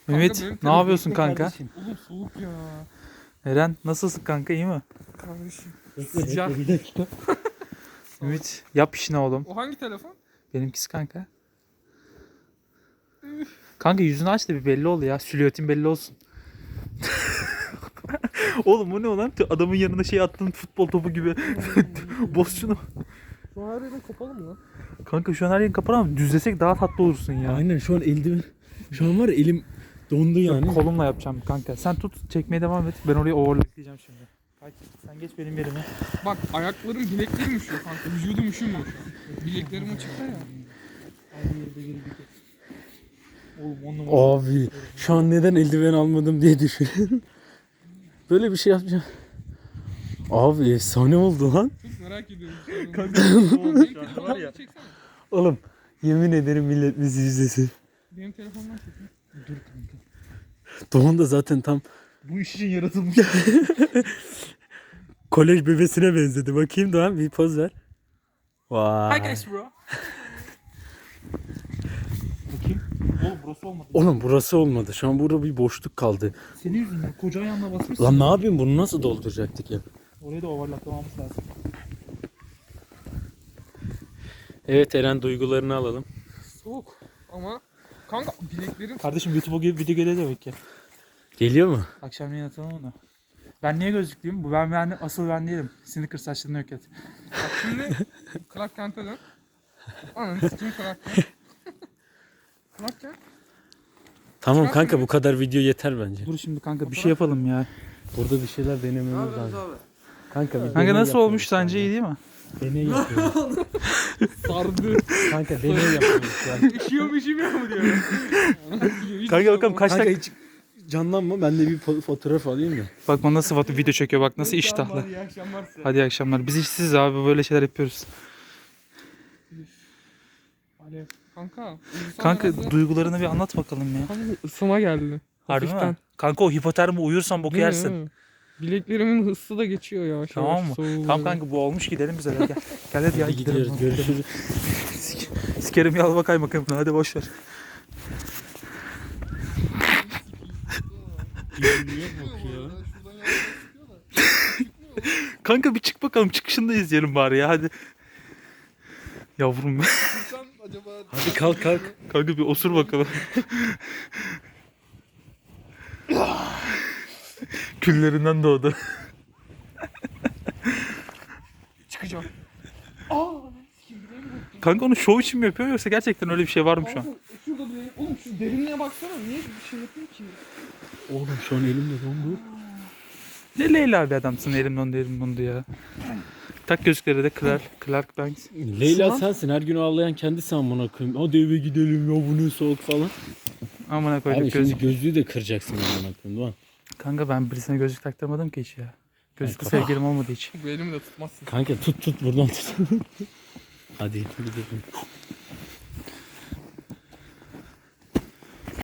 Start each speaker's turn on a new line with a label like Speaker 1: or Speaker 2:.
Speaker 1: Ümit
Speaker 2: benim
Speaker 1: ne yapıyorsun
Speaker 2: telefonum
Speaker 1: kanka?
Speaker 2: kardeşim. Oğlum soğuk ya.
Speaker 1: Eren nasılsın kanka, iyi mi?
Speaker 2: Kardeşim.
Speaker 3: Bekle,
Speaker 2: Sıcak.
Speaker 3: bekle, bir dakika.
Speaker 1: Ümit yap işini oğlum.
Speaker 2: O hangi telefon?
Speaker 1: Benimkisi kanka. Kanka yüzünü aç da bir belli ol ya. Silüetin belli olsun. Oğlum bu ne lan? Adamın yanına şey attın, futbol topu gibi. Boz şunu.
Speaker 2: Şu an her yerin kapalı mı lan?
Speaker 1: Kanka şu an her yerini kapat ama düzlesek daha tatlı olursun ya.
Speaker 3: Aynen, şu an eldiven. Şu an var ya, elim dondu yani.
Speaker 1: Kolumla yapacağım kanka. Sen tut, çekmeye devam et. Ben orayı overlockleyeceğim şimdi. Hadi sen geç benim yerime.
Speaker 2: Bak ayaklarım bileklerim üşüyor kanka. Vücudum üşümüyor şu an. Bileklerim açıkta ya.
Speaker 1: Oğlum 10 numara.
Speaker 3: Abi şu an neden eldiven almadım diye düşünüyorum. Böyle bir şey yapacağım. Abi efsane oldu lan.
Speaker 2: Çok merak ediyorum.
Speaker 1: Kanka
Speaker 2: Benim
Speaker 1: var ya.
Speaker 2: telefondan çeksene.
Speaker 3: Oğlum yemin ederim millet bizi izlesin.
Speaker 2: Benim telefondan çeksene.
Speaker 1: Dur kanka.
Speaker 3: Doğan da zaten tam
Speaker 1: Bu iş için yaratılmış.
Speaker 3: kolej bebesine benzedi. Bakayım Doğan, bir poz ver. Vay.
Speaker 2: Hi guys bro.
Speaker 1: Bakayım. Oğlum burası olmadı.
Speaker 3: Oğlum burası olmadı. Şu an burada bir boşluk kaldı.
Speaker 1: Senin yüzünden koca ayağınla basmışsın.
Speaker 3: Lan ne yapayım, bunu nasıl dolduracaktık ya?
Speaker 1: Orayı da overlocklamamız lazım.
Speaker 3: Evet Eren, duygularını alalım.
Speaker 2: Soğuk. Ama kanka bileklerim
Speaker 1: Kardeşim YouTube'a video geliyor demek ya.
Speaker 3: Geliyor mu?
Speaker 1: Akşamleyin atalım onu. Ben niye gözlüklüyüm? Bu ben asıl ben değilim. Sneaker saçlarını yok et.
Speaker 2: bak şimdi Clark Kent'e dön. Ananı sikeyim Clark Kent. Clark Kent.
Speaker 3: Tamam kanka, bu kadar video yeter bence.
Speaker 1: Dur şimdi kanka bir şey yapalım ya.
Speaker 3: Burada bir şeyler denememiz lazım. Kanka bir
Speaker 1: Kanka
Speaker 3: deney
Speaker 1: nasıl olmuş
Speaker 3: yapıyoruz
Speaker 1: sence,
Speaker 3: şu
Speaker 1: iyi değil mi?
Speaker 3: an. Deney yapıyoruz.
Speaker 2: Sardı.
Speaker 3: Kanka deney yapıyoruz şu an.
Speaker 2: Üşüyor mu üşümüyor mu diyor.
Speaker 1: Kanka bakalım kaç
Speaker 3: Kanka
Speaker 1: dakika.
Speaker 3: hiç canlanma, ben de bir fotoğraf alayım da.
Speaker 1: Bak bana nasıl video çekiyor, bak nasıl iştahlı.
Speaker 2: İyi akşamlar size.
Speaker 1: Hadi iyi akşamlar. Biz işsiz abi, böyle şeyler yapıyoruz.
Speaker 2: Alev. Kanka.
Speaker 1: Kanka
Speaker 2: herhalde-
Speaker 1: duygularını bir anlat bakalım ya.
Speaker 2: Kanka ısıma geldi.
Speaker 1: Harbi
Speaker 2: Hafiften.
Speaker 1: mi? Kanka o hipotermi, uyursan boku
Speaker 2: Değil mi?
Speaker 1: yersin.
Speaker 2: Bileklerimin ısı da geçiyor yavaş
Speaker 1: Tamam
Speaker 2: yavaş.
Speaker 1: mı?
Speaker 2: soğuğu
Speaker 1: Tamam
Speaker 2: böyle.
Speaker 1: kanka bu olmuş, gidelim bize de gel. Gel hadi ya
Speaker 3: Hadi
Speaker 1: gidelim.
Speaker 3: gidiyoruz, görüşürüz.
Speaker 1: Sikerim yal bakayım bakalım, hadi boş ver. Kanka bir çık bakalım, çıkışında izleyelim bari ya, hadi. Yavrum
Speaker 3: Hadi kalk kalk.
Speaker 1: kanka bir osur bakalım. Küllerinden doğdu.
Speaker 2: Çıkacağım.
Speaker 1: Kanka onu şov için mi yapıyor yoksa gerçekten öyle bir şey var mı şu an?
Speaker 2: Kanka şurada bir... Oğlum şu derinliğe baksana. Niye bir şey yapıyor ki?
Speaker 3: Oğlum şu an elimde dondu.
Speaker 1: Ne Leyla bir adamsın, elim dondu ya. Tak gözlükleri de Clark Banks.
Speaker 3: Leyla
Speaker 2: Şu an-
Speaker 3: sensin, her gün ağlayan kendisi amına koyayım. Hadi eve gidelim ya, bu ne soğuk falan.
Speaker 1: Amına
Speaker 3: Abi
Speaker 1: koyduk
Speaker 3: şimdi
Speaker 1: gözlük.
Speaker 3: gözlüğü de kıracaksın amına koyayım, Doğan.
Speaker 1: Kanka ben birisine gözlük taktırmadım ki hiç ya. Gözlüklü
Speaker 3: Kanka.
Speaker 1: sevgilim olmadı hiç.
Speaker 2: Bu elimi de tutmazsın.
Speaker 3: Kanka tut buradan tut. Hadi gidelim.